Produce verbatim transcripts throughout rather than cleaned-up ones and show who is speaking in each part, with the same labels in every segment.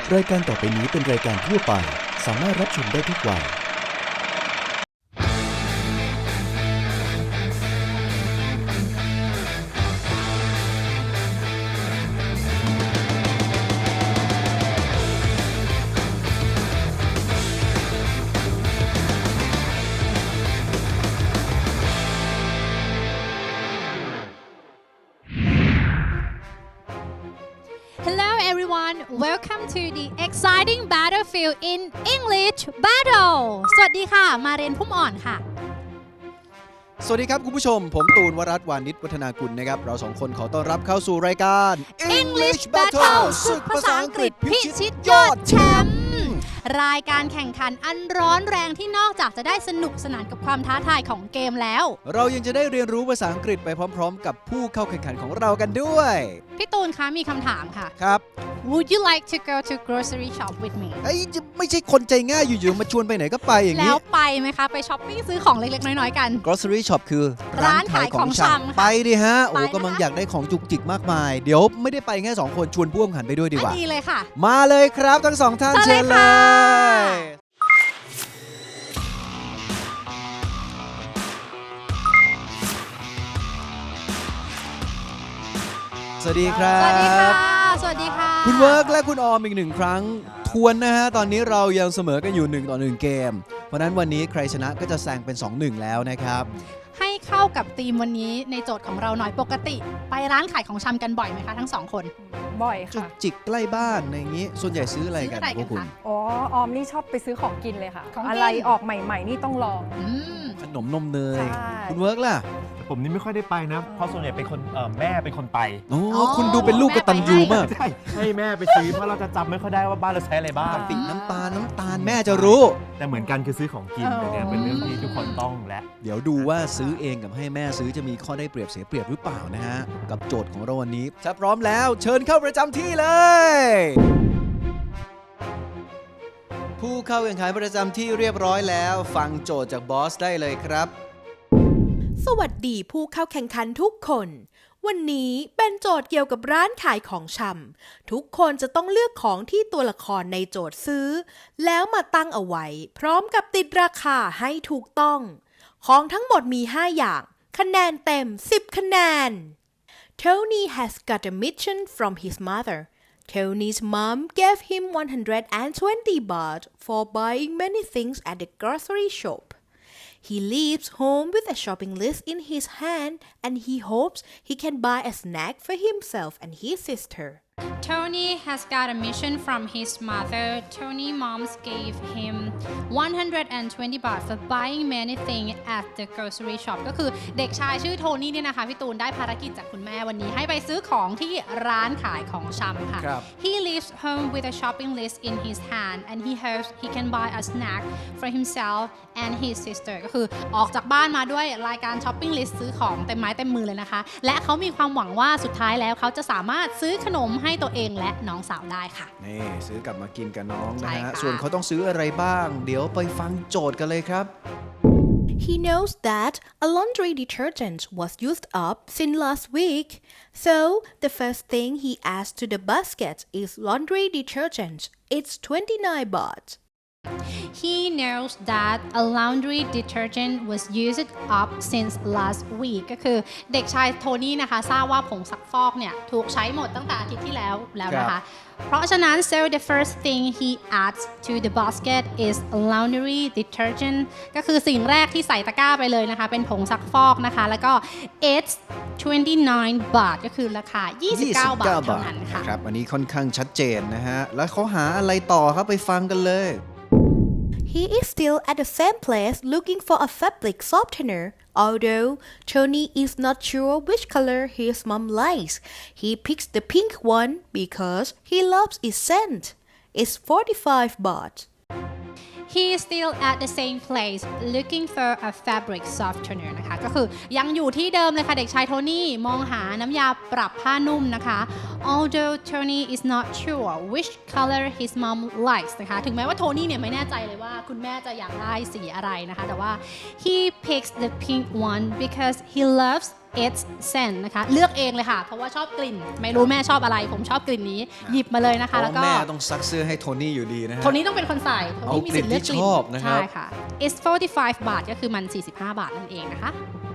Speaker 1: รายการต่อไปนี้เป็นรายการทั่วไปสามารถรับชมได้ทุกวัย
Speaker 2: Hello everyone, welcome to the exciting battlefield in English Battle สวัสดีค่ะมาเรียนพุ่มอ่อนค่ะ
Speaker 3: สวัสดีครับคุณผู้ชมผมตูนวรัตน์วานิชวัฒนากุลนะครับเราสองคนขอต้อนรับเข้าสู่รายการ
Speaker 2: English Battle ศึกภาษาอังกฤษพิชิตยอดแชมป์รายการแข่งขันอันร้อนแรงที่นอกจากจะได้สนุกสนานกับความท้าทายของเกมแล้ว
Speaker 3: เรายังจะได้เรียนรู้ภาษาอังกฤษไปพร้อมๆกับผู้เข้าแข่งขันของเรากันด้วย
Speaker 2: พี่ตูนคะมีคำถามค่ะ
Speaker 3: ครับ
Speaker 2: Would you like to go to grocery shop with me
Speaker 3: ไอ้ไม่ใช่คนใจง่ายอยู่ๆมาชวนไปไหนก็ไปอย่างนี้
Speaker 2: แล้วไปไหมคะไปช้อปปิ้งซื้อของเล็กๆน้อยๆกัน
Speaker 3: grocery shop คือ
Speaker 2: ร้านขายของชำ
Speaker 3: ไปดิฮะโอ้กำลังอยากได้ของจุกจิกมากมายเดี๋ยวไม่ได้ไปแค่สองคนชวนผู้แข่งขันไปด้วยดีกว่า
Speaker 2: ดีเลยค่ะ
Speaker 3: มาเลยครับทั้งสองท่านเชิญเลยสวัสดีครับ
Speaker 2: สวัสดีค่ะสวัสดีค่ะ
Speaker 3: คุณเวิร์กและคุณออมอีกหนึ่งครั้งทวนนะฮะตอนนี้เรายังเสมอกันอยู่หนึ่งต่อหนึ่งเกมเพราะนั้นวันนี้ใครชนะก็จะแซงเป็น สองหนึ่ง แล้วนะครับ
Speaker 2: ให้เข้ากับธีมวันนี้ในโจทย์ของเราหน่อยปกติไปร้านขายของชำกันบ่อยไหมคะทั้งสองคน
Speaker 4: บ่อย
Speaker 3: จุก
Speaker 4: ค่ะ
Speaker 3: จิกใกล้บ้านในอย่างนี้ส่วนใหญ่ซื้ออะไรกันพวกคุณ
Speaker 4: อ๋อออมนี่ชอบไปซื้อของกินเลยค่ะอะไรออกใหม่ๆนี่ต้องลอง
Speaker 3: ขนมนมเนยคุณเวิร์กล่ะ
Speaker 5: ผมนี่ไม่ค่อยได้ไปนะเพราะส่วนใหญ่เป็นคนแม่เป็นคนไป
Speaker 3: โอ้คุณดูเป็นลูกกตัญญูมาก
Speaker 5: ใช่ให้แม่ไปซื้อเพราะเราจะจำไม่ค่อยได้ว่าบ้านเราใช้อะไรบ้าง
Speaker 3: กะปิน้ำตาลน้ำตาลแม่จะรู้
Speaker 5: แต่เหมือนกันคือซื้อของกินเนี่ยเป็นเรื่องที่ทุกคนต้องและ
Speaker 3: เดี๋ยวดูว่าซื้อเองกับให้แม่ซื้อจะมีข้อได้เปรียบเสียเปรียบหรือเปล่านะฮะกับโจทย์ของเราวันนี้ถ้าพร้อมแล้วเชิญเข้าประจำที่เลยผู้เข้าแข่งขันประจำที่เรียบร้อยแล้วฟังโจทย์จากบอสได้เลยครับ
Speaker 6: สวัสดีผู้เข้าแข่งขันทุกคนวันนี้เป็นโจทย์เกี่ยวกับร้านขายของชำทุกคนจะต้องเลือกของที่ตัวละครในโจทย์ซื้อแล้วมาตั้งเอาไว้พร้อมกับติดราคาให้ถูกต้องของทั้งหมดมีห้าอย่างคะแนนเต็มสิบคะแนน Tony has got a mission from his mother Tony's mom gave him one hundred twenty baht for buying many things at the grocery shop.He leaves home with a shopping list in his hand and he hopes he can buy a snack for himself and his sister.
Speaker 2: Tony has got a mission from his mother. Tony moms gave him one hundred twenty baht for buying many things at the grocery shop ก็คือเด็กชายชื่อโทนี่เนี่ยนะคะพี่ตูนได้ภารกิจจากคุณแม่วันนี้ให้ไปซื้อของที่ร้านขายของชำค่ะ He leaves home with a shopping list in his hand and he hopes he can buy a snack for himself and his sister ก็คือออกจากบ้านมาด้วยรายการช้อปปิ้งลิสต์ซื้อของเต็มไม้เต็มมือเลยนะคะและเขามีความหวังว่าสุดท้ายแล้วเขาจะสามารถซื้อขนมให้ตัวเองและน้องสาวได้ค่ะ
Speaker 3: นี่ซื้อกลับมากินกับน้องนะฮะส่วนเขาต้องซื้ออะไรบ้างเดี๋ยวไปฟังโจทย์กันเลยครับ
Speaker 6: He knows that a laundry detergent was used up since last week so the first thing he adds to the basket is laundry detergent it's twenty-nine baht
Speaker 2: He knows that a laundry detergent was used up since last week ก็คือเด็กชายโทนี่นะคะทราบว่าผงซักฟอกเนี่ยถูกใช้หมดตั้งแต่อาทิตย์ที่แล้วแล้วนะคะเพราะฉะนั้น so the first thing he adds to the basket is laundry detergent ก็คือสิ่งแรกที่ใส่ตะกร้าไปเลยนะคะเป็นผงซักฟอกนะคะแล้วก็ it's twenty-nine baht ก็คือราคายี่สิบเก้าบาทเท่านั้นค่ะ
Speaker 3: ครับอันนี้ค่อนข้างชัดเจนนะฮะแล้วเขาหาอะไรต่อครับไปฟังกันเลย
Speaker 6: He is still at the same place looking for a fabric softener. Although Tony is not sure which color his mom likes, he picks the pink one because he loves its scent. It's forty-five baht.
Speaker 2: He is still at the same place looking for a fabric softener นะคะก็คือยังอยู่ที่เดิมเลยค่ะเด็กชายโทนี่มองหาน้ำยาปรับผ้านุ่มนะคะ Although Tony is not sure which color his mom likes นะคะถึงแม้ว่าโทนี่เนี่ยไม่แน่ใจเลยว่าคุณแม่จะอยากได้สีอะไรนะคะแต่ว่า he picks the pink one because he loves eight cents นะคะเลือกเองเลยค่ะ เพราะว่าชอบกลิ่น ไม่รู้แม่ชอบอะไร ผมชอบกลิ่นนี้ หยิบมาเลยนะ
Speaker 3: เพ
Speaker 2: คะ
Speaker 3: ราะ
Speaker 2: แล้วก็
Speaker 3: แม่ต้องซักเสื้อให้โทนี่อยู่ดีนะฮะ
Speaker 2: โทนี้ต้องเป็นคนใส่โทนี้มีสิทธิ์เลือกกลิ่น
Speaker 3: เอากลิ่นที่ชอบนะครับ
Speaker 2: ใช่ค่ะ it's forty-five บาทก็คือมันสี่สิบห้าบาทนั่นเองนะคะ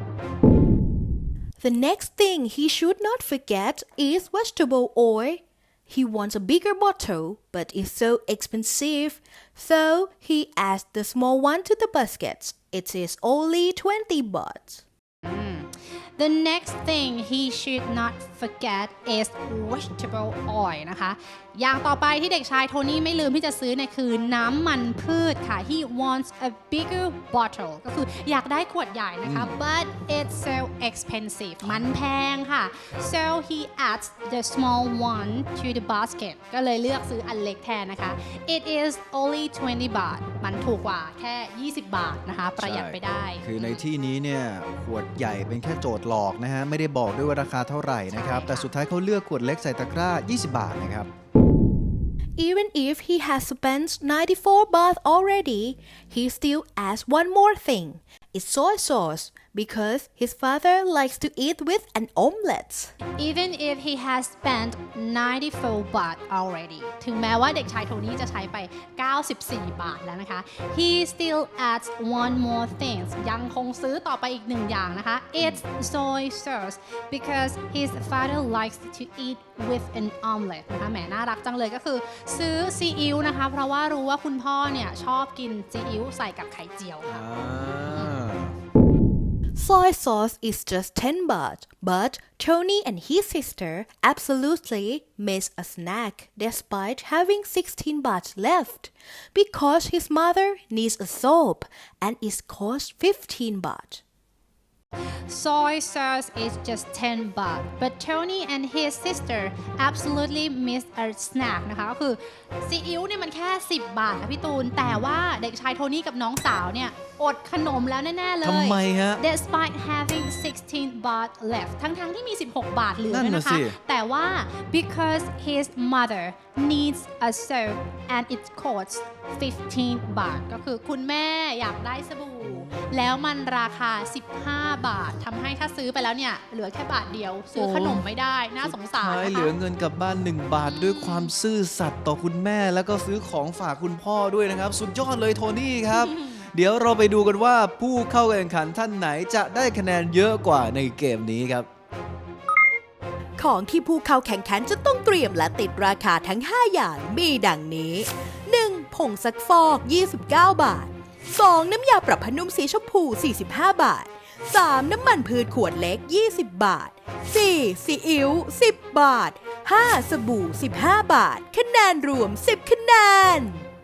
Speaker 6: The next thing he should not forget is vegetable oil. He wants a bigger bottle, but it's so expensive, so he adds the small one to the basket. It is only twenty baht.
Speaker 2: The next thing he should not forget is vegetable oil นะคะ อย่างต่อไปที่เด็กชายโทนี่ไม่ลืมที่จะซื้อเนี่ยคือน้ำมันพืชค่ะ He wants a bigger bottle ก็คืออยากได้ขวดใหญ่นะคะ but it's so expensive มันแพงค่ะ so he adds the small one to the basket ก็เลยเลือกซื้ออันเล็กแทนนะคะ it is only twenty baht มันถูกกว่าแค่ยี่สิบบาทนะคะ ประหยัดไปได้
Speaker 3: คือในที่นี้เนี่ยขวดใหญ่เป็นแค่โจทย์หลอกนะฮะไม่ได้บอกด้วยว่าราคาเท่าไหร่นะครับ
Speaker 2: ใช่ค่ะ
Speaker 3: แต่สุดท้ายเขาเลือกขวดเล็กใส่ตะกร้ายี่สิบบาทนะครับ
Speaker 6: Even if he has spent ninety-four baht already, he still adds one more thing. It's soy sauce because his father likes to eat with an omelette.
Speaker 2: Even if he has spent ninety-four baht already ถึงแม้ว่าเด็กชายโทนี่จะใช้ไปเก้าสิบสี่บาทแล้วนะคะ he still adds one more thing ยังคงซื้อต่อไปอีกหนึ่งอย่างนะคะ it's soy sauce because his father likes to eat with an omelette นะคะแหมน่ารักจังเลยก็คือซื้อซีอิ๊วนะคะเพราะว่ารู้ว่าคุณพ่อเนี่ยชอบกินซีอิ๊วใส่กับไข่เจียวค่ะ
Speaker 6: Soy sauce is just ten baht, but Tony and his sister absolutely miss a snack despite having sixteen baht left because his mother needs a soap and it costs fifteen baht.
Speaker 2: Soy sauce is just ten baht but Tony and his sister absolutely miss a snack นะคะก็คือซีอิ๊วเนี่ยมันแค่สิบบาทค่ะพี่ตูน แต่ว่าเด็กชายโทนี่กับน้องสาวเนี่ยอดขนมแล้วแน่ ๆ เลย
Speaker 3: ทำไมฮะ
Speaker 2: Despite having sixteen baht left ทั้ง ๆ ที่มี สิบหก บาทเหลือ
Speaker 3: นั่น
Speaker 2: ด้วย
Speaker 3: น่ะ
Speaker 2: นะคะ
Speaker 3: สิ
Speaker 2: แต่ว่า because his mother needs a soap and it costs fifteen baht ก็คือคุณแม่อยากได้สบู่ แล้วมันราคาสิบห้าบาททำให้ถ้าซื้อไปแล้วเนี่ยเหลือแค่บาทเดียวซื้อขนมไม่ได้น่าสงสาร
Speaker 3: สุดท้าย
Speaker 2: นะ
Speaker 3: เหลือ
Speaker 2: คะ
Speaker 3: เงินกลับบ้านหนึ่งบาทด้วยความซื่อสัตย์ต่อคุณแม่แล้วก็ซื้อของฝากคุณพ่อด้วยนะครับ สุดยอดเลยโทนี่ครับ เดี๋ยวเราไปดูกันว่าผู้เข้าแข่งขันท่านไหนจะได้คะแนนเยอะกว่าในเกมนี้ครับ
Speaker 6: ของที่ผู้เข้าแข่งขันจะต้องเตรียมและติดราคาทั้ง ห้า อย่างมีดังนี้ หนึ่ง ผงซักฟอก ยี่สิบเก้า บาท สอง น้ำยาปรับผ้านุ่มสีชมพู สี่สิบห้า บาท สาม น้ำมันพืชขวดเล็ก ยี่สิบ บาท สี่ ซีอิ๊ว สิบ บาท ห้า สบู่ สิบห้า บาท คะแนนรวม สิบ คะแนน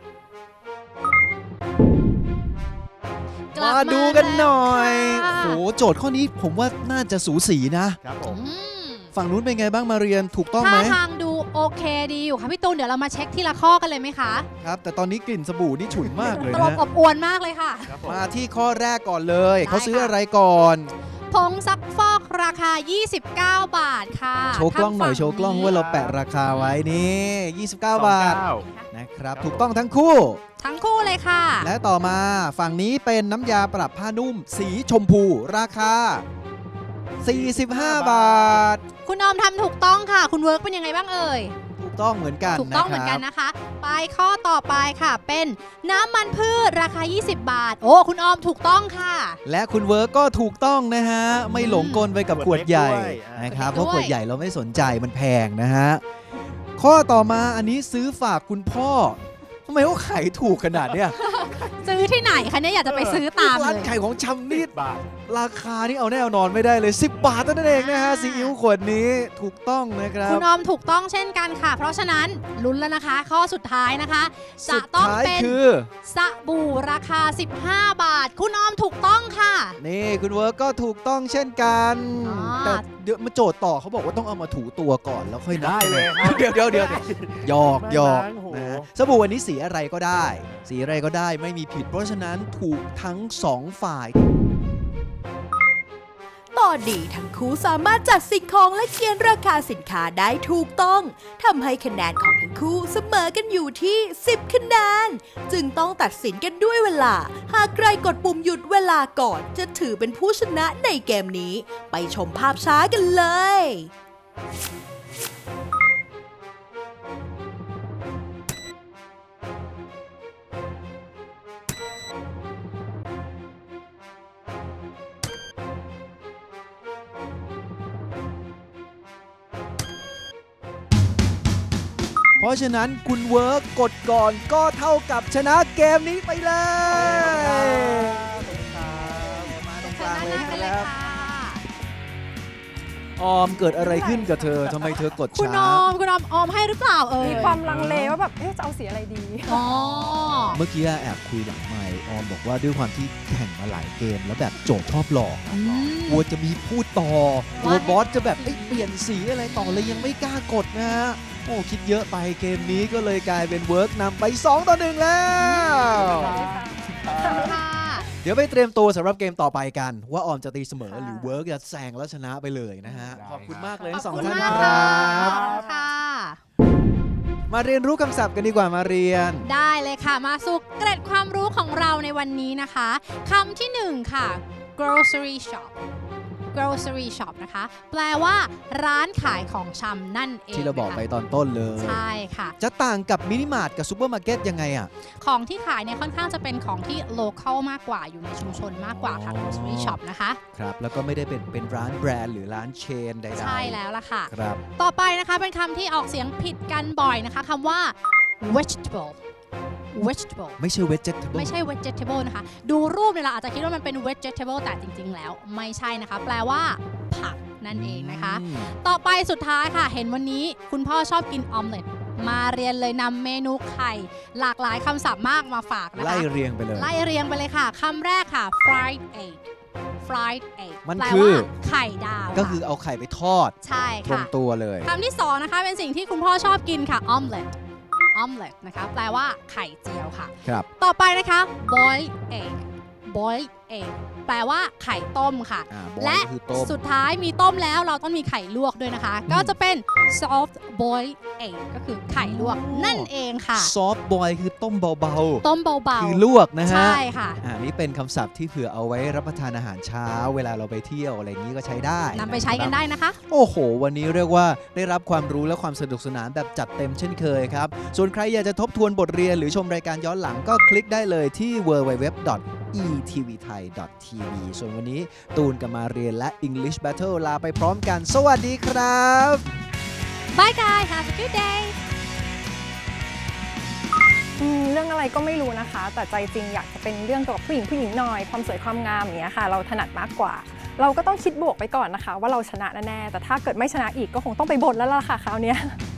Speaker 2: กลับ
Speaker 3: มาดูกันหน่อย
Speaker 2: แล้วค่ะ
Speaker 3: โหโจทย์ข้อนี้ผมว่าน่าจะสูสีนะ
Speaker 5: ครับผม
Speaker 2: อืม
Speaker 3: ฝั่งนู้นเป็นไงบ้างมาเรียนถูกต้องไหม
Speaker 2: ท่าทางดูโอเคดีอยู่ค่ะพี่ตูนเดี๋ยวเรามาเช็คทีละข้อกันเลยไหมคะ
Speaker 3: ครับ แต่ตอนนี้กลิ่นสบู่นี่ฉุนมากเลย
Speaker 2: ต
Speaker 3: นะ
Speaker 2: ลบ
Speaker 3: ฮะ
Speaker 2: อบอวนมากเลยค่ะ
Speaker 5: ครับผม
Speaker 3: มาที่ข้อแรกก่อนเลย
Speaker 2: ได้
Speaker 3: เขาซื้อ
Speaker 2: ค่ะ
Speaker 3: อะไรก่อน
Speaker 2: ผงซักฟอกราคา ยี่สิบเก้า บาทค่ะ
Speaker 3: โชว์กล้องหน่อย
Speaker 2: ทา
Speaker 3: โชว์กล้องว่าเราแปะราคาไว้นี่ ยี่สิบเก้า บาท
Speaker 5: สองเก้
Speaker 3: นะครับ
Speaker 5: ครับ
Speaker 3: ถูกต้องทั้งคู่
Speaker 2: ทั้งคู่เลยค่ะ
Speaker 3: และต่อมาฝั่งนี้เป็นน้ำยาปรับผ้านุ่ม สีชมพูราคา สี่สิบห้า บาท
Speaker 2: คุณออมทำถูกต้องค่ะ คุณเวิร์กเป็นยังไงบ้างเอ่ย
Speaker 3: ถูกต้องเหมือนกัน
Speaker 2: ถูกต้องเหมือนกัน
Speaker 3: นะ
Speaker 2: นะคะ ไปข้อต่อไปค่ะ เป็นน้ำมันพืชราคา ยี่สิบ บาท โอ้ คุณออมถูกต้องค่ะ
Speaker 3: และคุณเวิร์กก็ถูกต้องนะฮะ ไม่หลงกลไปกับขวดใหญ่
Speaker 5: ขวดเล็กด้วย
Speaker 3: นะครับ
Speaker 2: ข
Speaker 3: เพ
Speaker 2: วดเล็กด้วย
Speaker 3: ราะขวดใหญ่เราไม่สนใจมันแพงนะฮะ ข้อต่อมาอันนี้ซื้อฝากคุณพ่อทำไมเขาขายถูกขนาดเนี้ย
Speaker 2: ซื้อที่ไหนคะเนี่ยอยากจะไปซื้อตาม
Speaker 3: ร้าน
Speaker 2: เลย
Speaker 3: ขายของชำนี่
Speaker 5: บาท
Speaker 3: ราคานี่เอาแน่เอานอนไม่ได้เลย สิบบาทเท่านั้นเองนะฮะ
Speaker 2: อ่า
Speaker 3: ซีอิ๊วขวดนี้ถูกต้องนะครับ
Speaker 2: คุณออมถูกต้องเช่นกันค่ะ เพราะฉะนั้นลุ้นแล้วนะคะ ข้อสุดท้ายนะคะ จะ
Speaker 3: สุด
Speaker 2: ต้อง
Speaker 3: ท้าย
Speaker 2: เป็น
Speaker 3: คือ
Speaker 2: สบู่ราคา สิบห้า บาท คุณออมถูกต้องค่ะ
Speaker 3: นี่คุณเวิร์กก็ถูกต้องเช่นกัน
Speaker 2: อ๋อ
Speaker 3: แต่เดี๋ยวมาโจทย์ต่อเขาบอกว่าต้องเอามาถูตัวก่อนแล้วค่อยนับ
Speaker 5: ได้เลยครับ
Speaker 3: เดี๋ยวเดี๋ยวเดี๋ยวหยอกหยอก
Speaker 5: ไม่นะโอ้โห
Speaker 3: นะฮะสบู่วันนี้สีอะไรก็ได้ สีอะไรก็ได้ไม่มีผิด เพราะฉะนั้นถูกทั้งสองฝ่าย
Speaker 6: ต่ออดีทั้งคู่สามารถจัดสิ่งของและเขียนราคาสินค้าได้ถูกต้องทำให้คะแนนของทั้งคู่เสมอกันอยู่ที่ สิบ คะแนน จึงต้องตัดสินกันด้วยเวลา หากใครกดปุ่มหยุดเวลาก่อนจะถือเป็นผู้ชนะในเกมนี้ ไปชมภาพช้ากันเลย
Speaker 3: เพราะฉะนั้นคุณเวิร์กกดก่อนก็เท่ากับชนะเกมนี้ไปเลยมาตรงกลางเลย
Speaker 2: กัน
Speaker 3: ค
Speaker 2: เลย
Speaker 3: รับ
Speaker 2: ค่ะ
Speaker 3: ออมเกิดอะไรขึ้นกับเธอทำไมเธอกด
Speaker 2: คุณ
Speaker 3: ช้า
Speaker 2: ออมคุณออมออมให้หรือเปล่าเอ่ย
Speaker 4: มีความลังเลว่าแบบเอ๊ะจะเอาสีอะไรดี
Speaker 2: อ๋อ
Speaker 1: เมื่อกี้แอบคุยหลังไมค์ออมบอกว่าด้วยความที่แข่งมาหลายเกม แล้วแบบโจทย์ชอบหลอก
Speaker 2: อืม
Speaker 1: กลัวจะมีพูดต่อกลัวบอสจะแบบเอ้ยเปลี่ยนสีอะไรต่อเลยยังไม่กล้ากดนะฮะ
Speaker 3: โอ้คิดเยอะไปเกมนี้ก็เลยกลายเป็นเวิร์กนำไปสองต่อหนึ่งแล้ว
Speaker 2: ค่ะ
Speaker 3: เดี๋ยวไปเตรียมตัวสำหรับเกมต่อไปกัน ว่าออมจะตีเสมอหรือเวิร์กจะแซงแล้วชนะไปเลยนะฮะ
Speaker 5: ได้
Speaker 3: ขอบคุณมากเลย
Speaker 2: ขอ
Speaker 3: ทั้
Speaker 2: บ
Speaker 3: งสอง
Speaker 2: คุณ
Speaker 3: ท่าน
Speaker 2: มาก
Speaker 3: คร
Speaker 2: ค่ะ
Speaker 3: ับ
Speaker 2: ค่ะ
Speaker 3: มาเรียนรู้คำศัพท์กันดีกว่ามาเรียน
Speaker 2: ได้เลยค่ะ มาสู่เกร็ดความรู้ของเราในวันนี้นะคะคำที่หนึ่งค่ะ grocery shop grocery shop นะคะ แปลว่าร้านขายของชำนั่นเอง
Speaker 3: ที่เราบอกไป
Speaker 2: นะคะ
Speaker 3: ตอนต้นเลย
Speaker 2: ใช่ค่ะ
Speaker 3: จะต่างกับมินิมาร์ทกับซูเปอร์มาร์เก็ตยังไงอ่ะ
Speaker 2: ของที่ขายเนี่ยค่อนข้างจะเป็นของที่ local มากกว่าอยู่ในชุมชนมากกว่าค่ะ
Speaker 3: อ๋อ
Speaker 2: grocery shop นะคะ
Speaker 3: ครับ แล้วก็ไม่ได้เป็นเป็นร้านแบรนด์หรือร้านเชนใดๆ
Speaker 2: ใช่แล้วล่ะค่ะ
Speaker 3: ครับ
Speaker 2: ต่อไปนะคะเป็นคำที่ออกเสียงผิดกันบ่อยนะคะคำว่า vegetable vegetable
Speaker 3: ไม่ใช่ vegetable
Speaker 2: ไม่ใช่ vegetable นะคะ ดูรูปเนี่ยเราอาจจะคิดว่ามันเป็น vegetable แต่จริง ๆ แล้วไม่ใช่นะคะ แปลว่าผักนั่นเองนะคะ
Speaker 3: อืม
Speaker 2: ต่อไปสุดท้ายค่ะ เห็นวันนี้คุณพ่อชอบกินออมเล็ตมาเรียนเลยนำเมนูไข่ หลากหลายคำศัพท์มากมาฝากนะคะ
Speaker 3: ไล่เรียงไปเลย
Speaker 2: ไล่เรียงไปเลยค่ะคำแรกค่ะ fried egg fried egg
Speaker 3: มัน
Speaker 2: แปล
Speaker 3: คือ
Speaker 2: ว่าไข่ดาว
Speaker 3: ก็คือเอาไข่ไปทอด
Speaker 2: ใช่
Speaker 3: ตรง
Speaker 2: ค่ะ
Speaker 3: ตัวเลย
Speaker 2: คำที่สองนะคะเป็นสิ่งที่คุณพ่อชอบกินค่ะ omelet omelet นะคะ แปลว่าไข่เจียวค่ะ
Speaker 3: ครับ
Speaker 2: ต่อไปนะคะ boiled egg boiled egg แปลว่าไข่ต้มค่ะ
Speaker 3: อ่า boil
Speaker 2: และ
Speaker 3: คือต้ม
Speaker 2: สุดท้ายมีต้มแล้วเราต้องมีไข่ลวกด้วยนะคะ ก็จะเป็น soft boiled egg ก็คือไข่ลวก
Speaker 3: อ๋อ
Speaker 2: นั่นเองค่ะ
Speaker 3: ซอฟต์บอยคือต้มเบา
Speaker 2: ต้มเบา
Speaker 3: ๆ คือลวกนะ
Speaker 2: ๆ
Speaker 3: ฮะ
Speaker 2: ใช่ค่ะ
Speaker 3: อ่านี่เป็นคำศัพท์ที่เผื่อเอาไว้รับประทานอาหารเช้า เวลาเราไปเที่ยวอะไรอย่างนี้ก็ใช้ได้
Speaker 2: นำไปใช้กันะครับ ได้นะคะ
Speaker 3: โอ้โห วันนี้เรียกว่าได้รับความรู้และความสนุกสนานแบบจัดเต็มเช่นเคยครับ ส่วนใครอยากจะทบทวนบทเรียนหรือชมรายการย้อนหลังก็คลิกได้เลยที่ ดับเบิลยู ดับเบิลยู ดับเบิลยู ดอท อี ที วี ไทย ดอท ที วี ส่วนวันนี้ตูนกับมาเรียนและ English Battle ลาไปพร้อมกัน สวัสดีครับ
Speaker 2: Bye guys have a good day
Speaker 4: อืมเรื่องอะไรก็ไม่รู้นะคะ แต่ใจจริงอยากจะเป็นเรื่องเกี่ยวกับผู้หญิงผู้หญิงหน่อยความสวยความงามอย่างเงี้ยค่ะ เราถนัดมากกว่า เราก็ต้องคิดบวกไปก่อนนะคะ ว่าเราชนะแน่ๆแต่ถ้าเกิดไม่ชนะอีกก็คงต้องไปบ่นแล้วล่ะค่ะคราวเนี้ย